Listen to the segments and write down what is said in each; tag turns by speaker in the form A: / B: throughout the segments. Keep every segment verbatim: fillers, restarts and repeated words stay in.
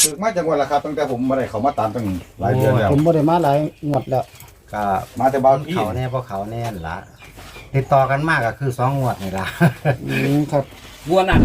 A: ถึกมาจังหวัดละครับตั้งแต่ผมมาได้เขามาตามตั้งหลายเดือนแล้ว
B: ผมบ่ได้มาหลายงวดแล้ว
C: ก็
A: มาแต่เบาที่
C: เขาแน่เพราะเขาแน่นละติดต่อกันมากก็คือสองงวดนี่ละ
B: อืมครับ
D: บัวนั่น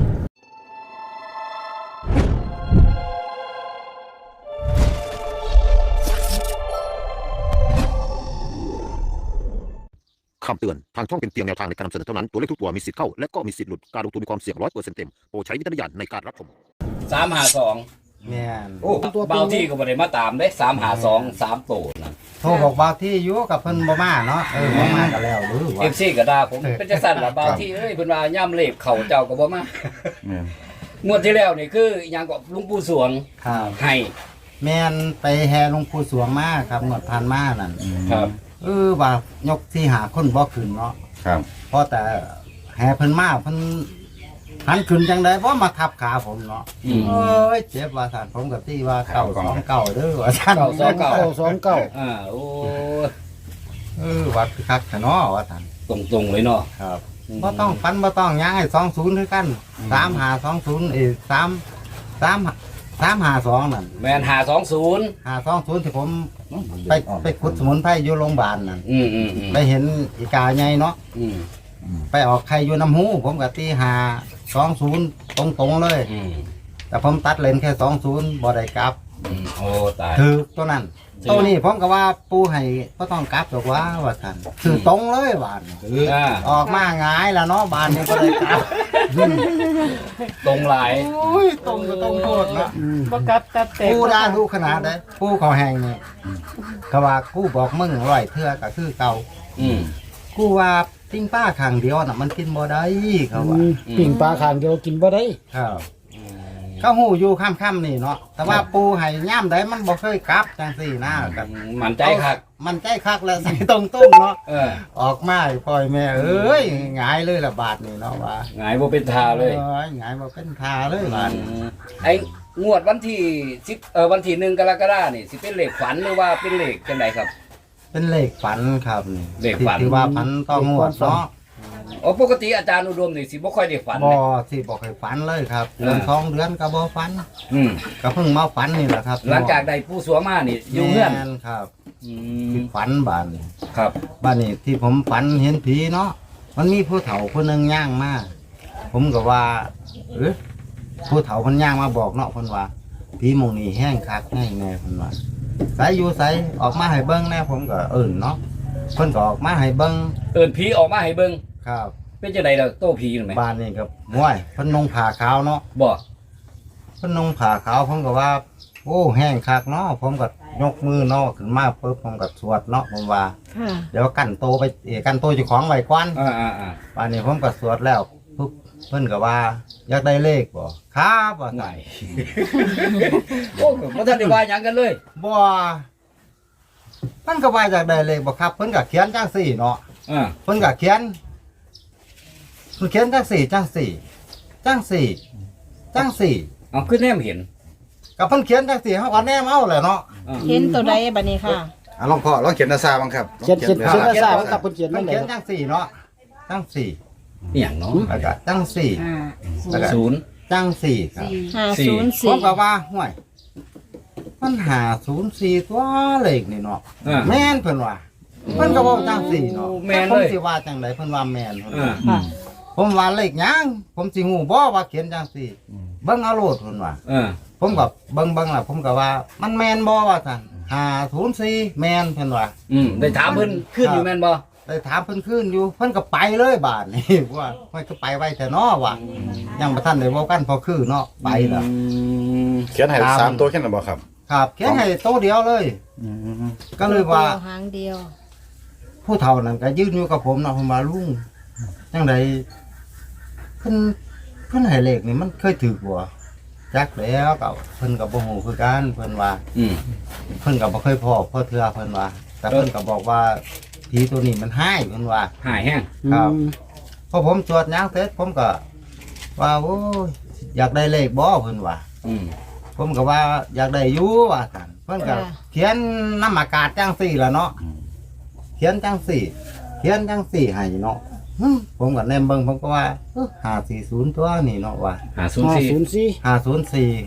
E: คำเตือน ทางช่องเป็นเพียงแนวทางในการนำเสนอเท่านั้น ตัวเลขทุกตัวมีสิทธิ์เข้า และก็มีสิทธิ์หลุด การลงทุนมีความเสี่ยงร้อยเปอร์เซ็นต์เต็ม โปรดใช้วิจารณญาณในการรับชม
D: สามหาสอง
C: แม่น
D: โอ้เบาที่ก็บ่ได้มาตามได้สามหาสองสามโตนั่น
C: โทรบอกบ่าวที่อยู่กับเพิ่นบ่มาเนาะเออบ่มาก็แล้วหรือ
D: เอ
C: ว่า
D: ฟซีก็ด่าผมเป็นจังซั่นล่ะเบาที่เอ้ยเพิ่นว่าย่ำเลขเข้าเจ้าก็บ่มา
A: แม่น
D: งวดที่แล้วนี่คืออิหยังก็หลุงปู่สวง
C: ครับ
D: ให้
C: แม่นไปแห่หลวงปู่สวงมาครับงวดผ่านมานั่น
D: ครับ
C: เออว่ายกที่หาคนบ่ขึ้นเนาะ
A: ครับ
C: เพราะแต่แห่เพิ่นมาเพิ่นหันขึ้นจังได๋บ่มาทับขาผมเนาะ
D: อืม
C: เอ้ยเจ็บว่าท่านผมก็ตีว่าเก้าสองเก้าเด้อว่าท่าน
D: เก้าสองเก้า
B: เก้าสองเก้า
D: อ่าโอ้
C: เออวัดคือคักแท้เนาะว่าท่าน
D: ตรงๆเลยเนาะ
C: ครับบ่ต้องฟันบ่ต้องหยังให้สองศูนย์คือกันสามห้าสองศูนย์เอ้สามสามสามห้าสองนั่น
D: แม่นห้าสองศูนย์
C: ห้าสองศูนย์ที่ผมไปไปขุดสมุนไพรอยู่โรงพยาบาลนั่น
D: อืมอืมอืม
C: ไปเห็นอีกาใหญ่เนาะ
D: อืม
C: ไปออกไข่อยู่น้ำหูผมก็ตีห้าสองศูนย์ตรงๆเลย
D: อืม
C: แต่ผมตัดเลนแค่สองศูนย์บ่ได้กลับ
D: อืมโอ้ตาย
C: ถือตัวนั้น
D: ถือ
C: ตัวนี้ผมก็ว่าปูให้ก็ต้องกลับดอกว่าว่าท่านถือตรงเลยบาน
D: อ่า
C: ออกมาหงายแล้วเนาะบานนี้ก็เลยกลับ
D: ตรงหลาย
C: โอ้ยตรงก็ต้องโทษนะ
F: บ่กลับกลับแต่
C: ปูได้ดูขนาดได้ปูเขาแหงนี่ก็ว่ากูบอกมึงร้อยเทื่อก็คือเก่า
D: อืม
C: กูว่าปิ้งป้าข้างเดียวน่ะมันกินบ่ได้เขาว่า
B: อืมปิ่งปลาขางเดียวกินบ่ได้
C: ครับเขาหูอยู่ค่ำๆนี่เนาะแต่ว่าปูให้ย่ามใดมันบ่เคยกลับจังสี่นะกัน
D: มันใจคัก
C: มันใจคักแล้วใส่ตรงๆเนาะ
D: เออ
C: ออกมาให้พ่อยแม่เอ้ยหงายเลยละบาทนี่เนาะว่า
D: หงายบ่เป็นทาเลย
C: อ้หงายบ่เป็นทาเลยบาทนี่
D: ไอ้งวดวันที่สิบเออวันที่หนึ่งกรกฎาคมนี่สิเป็นเลขฝันหรือว่าเป็นเลขจังไดครับ
C: เป็นเลขฝันครับนี่
D: เลขฝัน
C: ที่ว่าฝันต้องงวดเนาะ
D: อ๋อปกติอาจารย์อุดมนี่สิบ่ค่อยได้ฝัน
C: บ่
D: เลย
C: สิบ่เคยฝันเลยครับ
D: เออ
C: เดือนสองเดือนก็บ่ฝัน
D: อืม
C: ก็เพิ่งมาฝันนี่แหละครับ
D: หลังจากได้ผู้สวงมานี่อยู่เงื่อน
C: แม่ครับ
D: อื
C: ที่
D: ม
C: ฝันบาดนี่
D: ครับ
C: บ้านนี้ที่ผมฝันเห็นผีเนาะมันมีผู้เฒ่าคนหนึงย่างมาผมก็ว่าเออผู้เฒ่าเพิ่นย่างมาบอกเนาะเพิ่นว่าผีหมองนี้แห้งคักแห้งแน่เพิ่นว่าใสอยู่ใสออกมาให้เบิ่งแน่ผมก็เอิ้นเนาะเพิ่นก็ออกมาให้เบิ่ง
D: เอิ้นผีออกมาให้เบิ่ง
C: ครับ
D: เป็นจังไดล่ะโตผีนั่นแหม
C: บ้านนี้ก็ม้วยเพิ่นนุ่งผ้าขาวเนาะ
D: บ่
C: เพิ่นนุ่งผ้าขาวผมก็ว่า โอ้แห้งคักเนาะผมก็ยกมือเนาะขึ้นมาปุ๊บผมก็สวดเนาะผมว่า
F: ค่ะ
C: เดี๋ยวกันโตไปเออกันโตเจ้าของไว้ก่อน
D: อ่าอ่าอ่า
C: ป่านนี้ผมก็สวดแล้วปุ๊บเพิ่นก็ว่าอยากได้เลขบ่ครับว่า
D: ไหน
C: ซั่น
D: โอ้ก็บ่ทันได้ว่าหยังกันเลย
C: บ่เพิ่นก็ว่าอยากได้เลขบ่ครับเพิ่นก็เขียนจังสี่เนาะ
D: อ่า
C: เพิ่นก็เขียนเพิ่นเขียนจังสี่จังสี่จังสี่จังสี่
D: เอาขึ้นแนมเห็น
C: ก็เพิ่นเขียนจังสี่เฮาก็แนมเอาแหละเนาะ
D: อ่า
F: เห็นตัวใดบัดนี้ค่ะ
A: อ่ะลองพ่อลองเขียนนาซาบ้างครับ
B: เขียนเขียน
A: ล
B: เขียน
A: อง
B: ภา
A: เขียน
B: ษา
A: นา
B: ว่า
A: ซา
B: กับเพิ่นเขียน
C: เพิ่
B: นั่
C: น
B: นแห
C: เขียน
B: ละ
C: จังสี่เนาะจังสี่
D: อหย่างเนาะ
C: แล้วก็จังสี่ แล้วก็
D: ศูนย์
C: จังสี่ครับ
F: ห้า
D: สี่
F: ศูนย์
C: ผ
F: สี่
C: มก็ว่าห่วยมันหาศูนย์สี่ตัวเลขนี่เนาะ
D: อ่า
C: แม่นเพิ่นว่าเพิ่นก็บอกจังสี่เนาะ
D: แม่น
C: ผม
D: เลย
C: สิว่าจังไดเพิ่นว่าแม่นเพิ่น
D: อ่า
C: ว่าผมว่าเลขหยังผมสิฮู้บ่ว่าเขียนจังสี่เบิ่งเอาโลดเพิ่นว่า
D: อ่า
C: ผมก็เบิ่งเบิ่งล่ะผมก็ว่า มันแม่นบ่ว่าซั่นห้าศูนย์สี่แม่นเพิ่นว่า
D: อืมได้ถามเพิ่นขึ้นอยู่แม่นบ่
C: ได้ถามเพิ่นคืนอยู่เพิ่นก็ไปเลยบาดนี้ ว่าเพิ่นก็ไปไว้แต่เนาะว่ายังบ่ทันได้เว้ากันพอคือเนาะไปล่ะ
D: อืม
A: เขียนให้สามตัวแค่นั้นบ่ครับ
C: ครับเขียนให้โตวเดียวเลย ก็เลยว่า
F: หางเดียว
C: ผู้เฒ่านั่นก็ยืนอยู่กับผมเนาะผมว่าลุงจังไดเพิ่นเพิ่นให้เลขนี่มันเคยถูกบ่จักแล้วก็เพิ่นก็บ่ฮู้คือกันเพิ่นว่า
D: อืม
C: เพิ่นก็บ่เคยพอพ่อเทื่อเพิ่นว่า แต่เพิ่นก็บอกว่าผีตัวนี้มันหายเพิ่นว่า
D: หายแห้ง
C: ครับ
B: อืม
C: พอผมสวดหยังเสร็จผมก็ว่าโอ้ยอยากได้เลขบ่เพิ่นว่า
D: อืม
C: ผมก็ว่าอยากได้อยู่ว่าซั่นเพิ่นก็เขียนน้ำอากาศจังซี่ล่ะเนาะเขียนจังซี่ เขียนจังสี่ให้เนาะหึผมก็แนมเบิ่งผมก็ว่าห้าสี่ศูนย์ตัวนี่เนาะว่า
D: หาศูนย์
B: ห้า
D: สี่
B: ศูนย์สี่
C: ห้าศูนย์สี่ครับ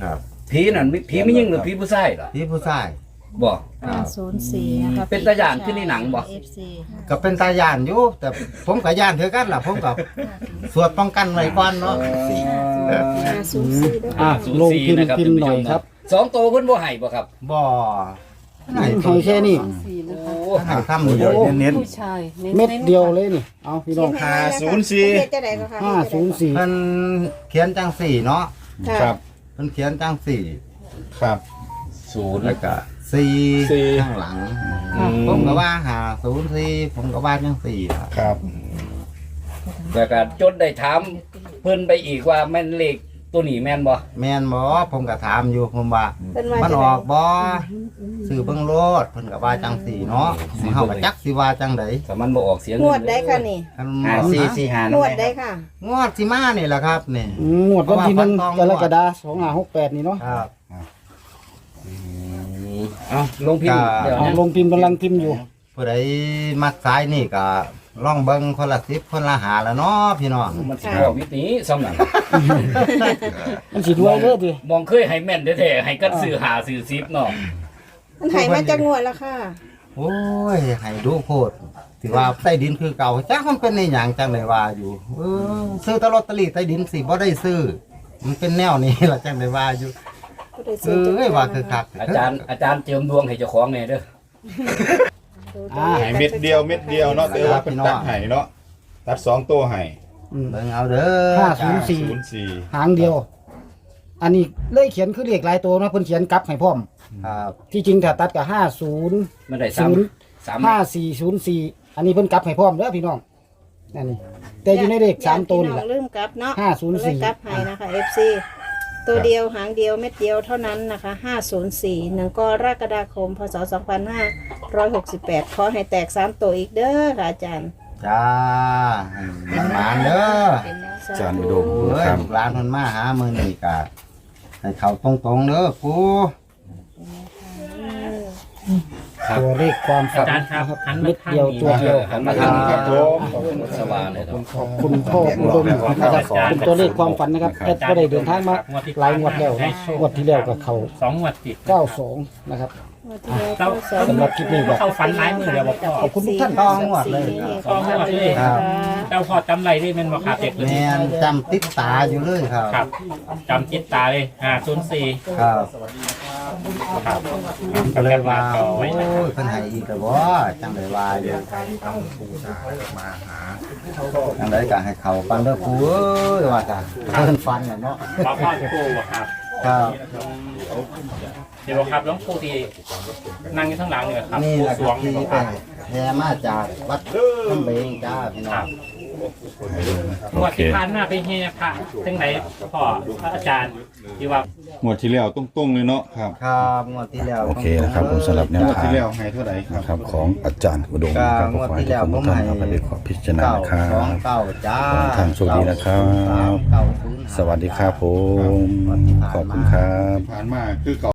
D: ผีนั่นผีไม่ยิ่งหรือผีผู้ชายเหรอ
C: พี่ผู้ชาย
D: บ่
C: ครับ
F: ศูนย์สี่นะคะ
D: เป็นตาย่านขึ้นในหนังบ่
F: เอฟซี
C: ก็เป็นตาย่านอยู่แต่ผมกับย่านเท่ากันล่ะผมกับสวดป้องกันไว้ก่อนเนาะสี่
F: ศูนย์สี่ด้วย
B: อ่ะลงพิมพ์พิมพ์หน่อยครับ
D: สองตัวเพิ่นบ่ให้บ่ครับ
C: บ่ไหน
B: ให้แค่นี้
D: โอ้
C: ให้ทำเดียว
A: เน้น
F: ผู้ชาย
B: เม็ดเดียวเลยนี่เอาพี่น้อง
A: ห้าศูนย์สี่
F: จะได้ก็ค่ะ
B: ห้าศูนย์สี่
C: เพิ่นเขียนจังสี่เนาะ
A: ๆครับ
C: เพิ่นเขียนจังสี่
A: ครับ
D: ศูนย์
C: แล้วก็สี่
A: สี่
C: ข้างหลัง ผมก็ว่าหาศูนย์สี่ผมก็ว่าจังสี่ครับ
A: ครับ
D: แล้วก็จนได้ถามเพิ่นไปอีกว่าแม่นเลขตัวนี้แม่นบ่
C: แม่นบ่ผมก็ถามอยู่ผมว่า
F: เป็นว่า
C: มัน
F: จะ
C: อ
F: ได้
C: อกบ่ซื้อเบิ่งโลดเพิ่นก็ว่าจังสี่เนาะเฮาก็จักสิว่าจังได๋
D: ถ้ามันบ่ออกเสียง
F: งวดได้ค่ะนี่
C: คัน
G: ห้าสี่สี่ห้าง
F: งวดได้ค่ะ
C: งวดสิมานี่แหละครับนี่
B: อืมหมวดวันที่หนึ่ง
C: เพ
B: ก
C: ราะ
B: ร
C: ว่า
B: กฎาคมสองห้าหกแปดนี่เนาะ
C: ครับ
D: เอาลงพิมพ์เดี๋ยว
B: เอา
D: นะ
B: ลงพิมพ์กำลังพิมพ์อยู่
C: ผู้ใดมักสายนี่ก็ลองเบิ่งคนละสิบคนละหาแล้วเนาะพี่น้อง
D: มันสิบอกวิธีสำนัก
B: มันสิด้วยเด้อดิ
D: มองเคยให้แม่นแท้ๆให้กันซื้อหาซื้อซิปเนาะ
F: มันหายมาจากงวดแล้วค่ะ
C: โอ้ยให้ดูโพดสิว่าใต้ดินคือเก่าจักมันเป็นในหยังจังไดว่าอยู่เออซื้อแตลอตเตอรี่ใต้ดินสิบ่ได้ซื้อ มันเป็นแนวนี้ล่ะจังไดว่าอยู่เอ้ยว่าคือคัก
D: อาจารย์อาจารย์เจิมดวงให้เจ้าของแน่เด้อ
B: อ่า
A: ให้เม็ดเดียวเม็ดเดียวเนาะแต่ว่าเป็นตัดให้เนาะตัดสองตัวให้
B: อืม
C: เบิ่งเอาเด้อ
B: ห้าศูนย์สี่
A: ศูนย์สี่
B: หางเดียว อันนี้เลยเขียนคือเลขหลายตัวนะเพิ่นเขียนกลับให้พร้อม
C: ครับ
B: ที่จริงถ้าตัดกับห้าศูนย์
D: มันได้
B: ศูนย์
D: 3 3
B: ห้าสี่ศูนย์สี่อันนี้เพิ่นกลับให้พร้อมเด้อพี่น้องนั่นนี่แต่อยู่ในเลขสามตัวนี่แหละ
F: อย่าลืมกลับเนาะ
B: ห้าศูนย์สี่
F: กลับให้นะคะ เอฟ ซี ตัวเดียวหางเดียวเม็ดเดียวเท่านั้นนะคะห้าศูนย์สี่หนึ่งกรกฎาคมพศสองพันห้าร้อยหกสิบแปดขอให้แตกสามตัวอีกเด้อค่ะอาจารย์
C: จ้าให้หมานเด้อ
A: จานอุดม
C: เอ้ย
A: ครับ
C: ลูกหลานเพิ่นมาหามื้อนี้ก็ให้เข้าตรงๆเด้อปู
B: ตัวเลขความฝัน
G: อาจารย์ครับ
B: นะครับ
G: หันมา
B: เม็ด
G: ทาง
B: เดียว
G: นี้
B: ตัวเดียว
D: หันมาทางนี้ครับ
A: ผม
D: สว่างเลยครับ
B: ขอบคุณพ่ออุดมนะครับเป็นตัวเลขความฝันนะครับแอดก็ได้เดินทางมาหลายงวดแล้วนะงวดที่แล้วกับเขา
G: สองงวดติด
B: เก้าสองนะครับ
G: เรา
B: สำหรับคลิปนี้ก็
G: เข้าฝันหลายมือเดียวบอกพ่อ
B: ขอบคุณทุกท่าน
C: ต้องหมดเลย
F: ต้องหมดเลย
C: ครับ
G: เราพอจำไรได้แมันบอกครับเด็กเลย
C: แม่นจำติดตาอยู่เลยครับ
G: ครับจำจิตตาเลยห้าศูนย์สี่
C: ครับ
G: ครับ
C: ก็เลยว่า
G: ต่อ
C: โอ้
G: ไว้
C: ยเพิ่นให้อีกแล้วบ่จังได๋ว่าอยู่จังได๋ก็ให้เข้ากันเด้อปูเอ้ยว่าจ้ะเพิ่นฟันน่ะเนาะ
G: พ่อพ่อครูบอกครับ
C: ครับ
G: เดี๋ยวบอกครับน้องครูที่นั่งอยู่ข้างหลังเนี่ยครับ
C: นี่
G: ครู
C: แหละ
G: ส
C: คว รั
G: ง
C: บที่
G: บอก
C: ไป
G: ครับ
C: แห่มาจากวัดน้ำเบงจ้าพี่น้
G: ค
C: อ
G: รั
C: ง
G: บงวดที่ผ่านมาไปเฮียพระทั้งไหนพ่อพระอาจารย์ที่ว่า
A: หมวดที่แล้วตรงๆเลยเนาะครับ
C: ครับงวดที่แล้ว
A: โอเคนะครับผมสำหรับแนว
C: งวด
A: ทาง
C: ที่แล้ว
A: ให้เท่าไหร่ครับ
H: ครับของอาจารย์อุดมครับก็ขอให้ทุกคนทุกท่านเอาไปเป็นขอพิจารณา
C: เก้า
H: นะครั
C: สอง
H: บ
C: เก้าจ้า
H: ทางโชคดีนะครับ
C: เก้าศูนย์ห้า
H: สวัสดีครับผม ขอบคุณครับ
A: ผ่านมาคือเก่า